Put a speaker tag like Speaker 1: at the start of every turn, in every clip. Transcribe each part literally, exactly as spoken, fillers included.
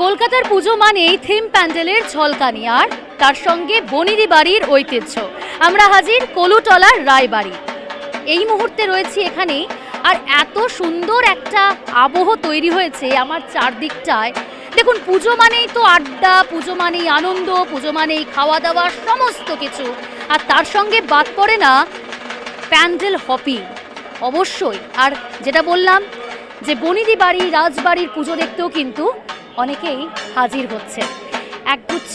Speaker 1: কলকাতার পুজো মানেই থিম প্যান্ডেলের ঝলকানি আর তার সঙ্গে বনিদি বাড়ির ঐতিহ্য। আমরা হাজির কলুটলার রায়বাড়ি। এই মুহূর্তে রয়েছি এখানে, আর এত সুন্দর একটা আবহ তৈরি হয়েছে আমার চারদিকটায়। দেখুন, পুজো মানেই তো আড্ডা, পুজো মানেই আনন্দ, পুজো মানেই খাওয়া দাওয়া, সমস্ত কিছু। আর তার সঙ্গে বাদ পড়ে না প্যান্ডেল হপিং, অবশ্যই। আর যেটা বললাম যে বনিদি বাড়ি রাজবাড়ির পুজো দেখতেও কিন্তু অনেকেই হাজির হচ্ছে। একগুচ্ছ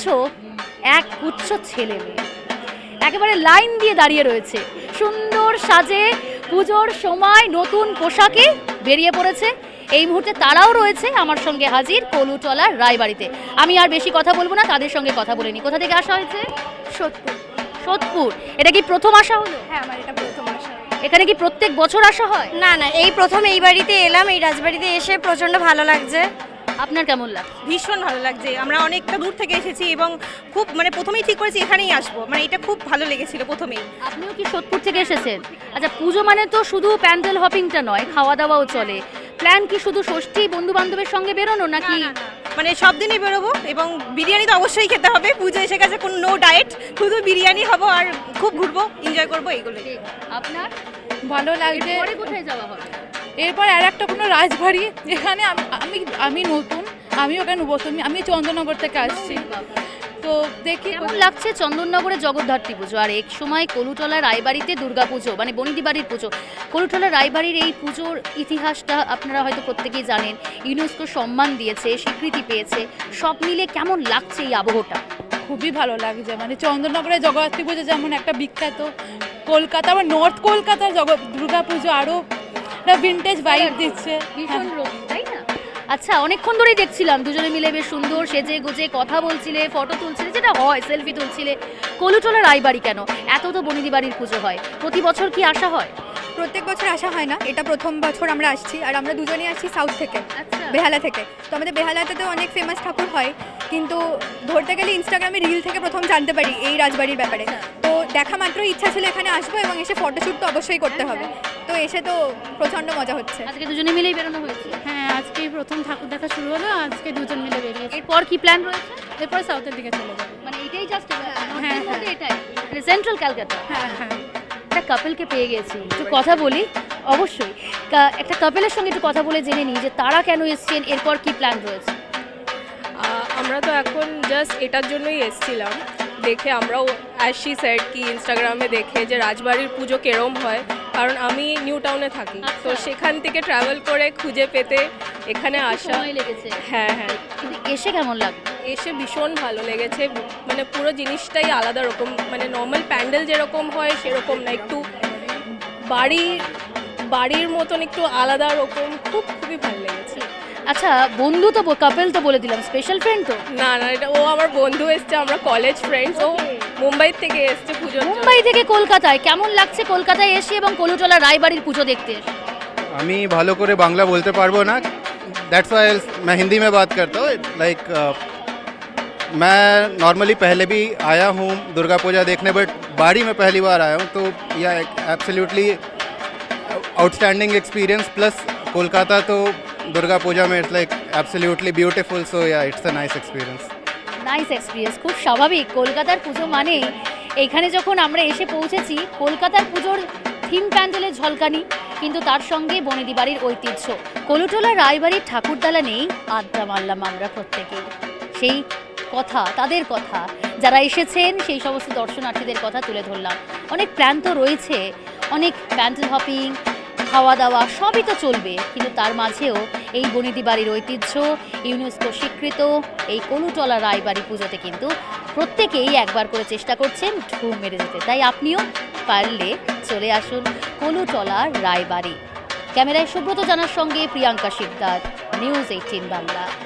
Speaker 1: একগুচ্ছ ছেলে মেয়ে একেবারে লাইন দিয়ে দাঁড়িয়ে রয়েছে, সুন্দর সাজে পুজোর সময় নতুন পোশাকে বেরিয়ে পড়েছে। এই মুহূর্তে তারাও রয়েছে আমার সঙ্গে হাজির কলুটলার রায়বাড়িতে। আমি আর বেশি কথা বলবো না, তাদের সঙ্গে কথা বলে নি। কোথা থেকে আসা হয়েছে?
Speaker 2: সোদপুর।
Speaker 1: সোদপুর। এটা কি প্রথম আসা হলো?
Speaker 2: হ্যাঁ, আমার এটা প্রথম আসা।
Speaker 1: এখানে কি প্রত্যেক বছর আসা হয়?
Speaker 2: না না, এই প্রথম এই বাড়িতে এলাম, এই রাজবাড়িতে এসে প্রচন্ড ভালো লাগছে।
Speaker 1: আপনার কেমন লাগছে?
Speaker 3: ভীষণ ভালো লাগছে। আমরা অনেকটা দূর থেকে এসেছি এবং খুব মানে প্রথমেই ঠিক করেছি এখানেই আসবো, মানে এটা খুব ভালো লেগেছিল প্রথমেই।
Speaker 1: আপনিও কি সোদপুর থেকে এসেছেন? আচ্ছা, পুজো মানে তো শুধু প্যান্ডেল হপিংটা নয়, খাওয়া দাওয়াও চলে। প্ল্যান কি শুধু ষষ্ঠী বন্ধু বান্ধবের সঙ্গে বেরোনো নাকি?
Speaker 3: মানে সব দিনই বেরোবো এবং বিরিয়ানি তো অবশ্যই খেতে হবে। পুজো এসে গেছে, কোনো নো ডায়েট, শুধু বিরিয়ানি হবো আর খুব ঘুরবো, এনজয় করবো, এইগুলো।
Speaker 1: আপনার
Speaker 4: ভালো লাগছে।
Speaker 1: পরে কোথায় যাওয়া হবে?
Speaker 4: এরপর আর একটা কোনো রাজবাড়ি, এখানে আমি- আমি আমি নতুন, আমি ওখানে নতুন, আমি চন্দননগর থেকে আসছি, তো দেখি
Speaker 1: কেমন লাগছে চন্দননগরে জগদ্ধাত্রী পুজো, আর এক সময় কলুটলা রায়বাড়িতে দুর্গা পুজো, মানে বনিদি বাড়ির পুজো। কলুটলা রায়বাড়ির এই পুজোর ইতিহাসটা আপনারা হয়তো প্রত্যেকেই জানেন। ইউনেস্কো সম্মান দিয়েছে, স্বীকৃতি পেয়েছে। সব মিলে কেমন লাগছে এই আবহটা?
Speaker 4: খুবই ভালো লাগছে। মানে চন্দননগরের জগদ্ধাত্রী পুজো যেমন একটা বিখ্যাত, কলকাতা আবার নর্থ কলকাতার জগৎ দুর্গা পুজো আরও একটা ভিন্টেজ ভাইব দিচ্ছে।
Speaker 1: ভীষণ রঙিন, তাই না? আচ্ছা, অনেকক্ষণ ধরেই দেখছিলাম দুজনে মিলে বেশ সুন্দর সেজে গুজে কথা বলছিলে, ফটো তুলছিলে, যেটা হয় সেলফি তুলছিলে। কলুটলা রায়বাড়ি কেন? এত তো বনিদি বাড়ির পুজো হয়, প্রতি বছর কি আসা হয়?
Speaker 5: প্রত্যেক বছর আসা হয় না, এটা প্রথম বছর আমরা আসছি। আর আমরা দুজনেই আসছি সাউথ থেকে,
Speaker 1: আচ্ছা।
Speaker 5: বেহালা থেকে। তো আমাদের বেহালাতে তো অনেক ফেমাস ঠাকুর হয়, কিন্তু ধরতে গেলে ইনস্টাগ্রামে রিল থেকে প্রথম জানতে পারি এই রাজবাড়ির ব্যাপারে। তো দেখা মাত্র ইচ্ছা ছিল এখানে আসবো এবং এসে ফটোশ্যুট তো অবশ্যই করতে হবে। তো এসে তো প্রচণ্ড মজা হচ্ছে।
Speaker 1: আজকে দুজনে মিলেই বেরোনো হয়েছে।
Speaker 4: হ্যাঁ, আজকে প্রথম ঠাকুর দেখা শুরু হলো, আজকে দুজন মিলে বেরিয়েছি।
Speaker 1: এরপর কি প্ল্যান রয়েছে?
Speaker 4: এরপর সাউথের দিকে চলে যাবো।
Speaker 1: মানে এটাই জাস্ট
Speaker 4: হ্যাঁ,
Speaker 1: এটাই মানে সেন্ট্রাল ক্যালকাটা।
Speaker 4: হ্যাঁ হ্যাঁ
Speaker 1: একটা কাপেলকে পেয়ে গেছি, একটু কথা বলি। অবশ্যই কা- একটা কাপেলের সঙ্গে একটু কথা বলে জেনে নিই যে তারা কেন এসছেন, এরপর কি প্ল্যান রয়েছে।
Speaker 6: আহ, আমরা তো এখন জাস্ট এটার জন্যই এসছিলাম, দেখে আমরাও আসছি সেট কি ইনস্টাগ্রামে দেখে যে রাজবাড়ির পুজো কেরম হয়, কারণ আমি নিউ টাউনে থাকি, তো
Speaker 1: আচ্ছা।
Speaker 6: সেখান থেকে ট্রাভেল করে খুঁজে পেতে এখানে আসা।
Speaker 1: সময় লেগেছে,
Speaker 6: হ্যাঁ হ্যাঁ,
Speaker 1: কিন্তু এসে কেমন লাগবে?
Speaker 6: এসে ভীষণ ভালো লেগেছে। মানে পুরো জিনিসটাই আলাদা রকম, মানে নর্মাল প্যান্ডেল যেরকম হয় সেরকম না, একটু বাড়ির বাড়ির মতন একটু আলাদা রকম, খুব খুবই ভালো লেগেছে।
Speaker 1: আচ্ছা, বন্ধু তো কাপেল তো বলে দিলাম, স্পেশাল ফ্রেন্ড তো?
Speaker 6: না না, এটা ও আমার বন্ধু এসছে, আমরা কলেজ ফ্রেন্ডস। ও মুম্বাই থেকে এসছে পুজোর জন্য।
Speaker 1: মুম্বাই থেকে কলকাতায়। কেমন লাগছে কলকাতায় এসে এবং কলুটলা রায়বাড়ির পুজো দেখতে এসে?
Speaker 7: আমি ভালো করে বাংলা বলতে পারবো না, दैट्स व्हाई मैं हिंदी में बात करता हूँ। लाइक मैं नॉर्मली पहले भी आया हूँ दुर्गा पूजा देखने, बट बाड़ी में पहली बार आया हूँ, तो yeah absolutely outstanding experience. Plus Kolkata तो दुर्गा पूजा में it's like absolutely beautiful, so yeah it's a nice experience.
Speaker 1: Nice experience, খুব স্বাভাবিক। কলকাতার পুজো মানে এখানে যখন আমরা এসে পৌঁছেছি, কলকাতার পুজোর থিম প্যান্ডেলের ঝলকানি, কিন্তু তার সঙ্গে বনিদি বাড়ির ঐতিহ্য। কলুটলা রায়বাড়ির ঠাকুরদালা নেই, আড্ডা মারলাম আমরা প্রত্যেকেই। সেই কথা, তাদের কথা, যারা এসেছেন সেই সমস্ত দর্শনার্থীদের কথা তুলে ধরলাম। অনেক প্ল্যান তো রয়েছে, অনেক প্যান্ডেল হপিং, খাওয়া দাওয়া সবই তো চলবে, কিন্তু তার মাঝেও এই বনিদি বাড়ির ঐতিহ্য, ইউনেস্কো স্বীকৃত এই কলুটলা রায়বাড়ি পুজোতে কিন্তু প্রত্যেকেই একবার করে চেষ্টা করছেন ঢু মেরে যেতে। তাই আপনিও পারলে চলে আসুন কলুটলা রায়বাড়ি। ক্যামেরায় সুব্রত জানার সঙ্গে প্রিয়াঙ্কা শিকদার, নিউজ এইটিন বাংলা।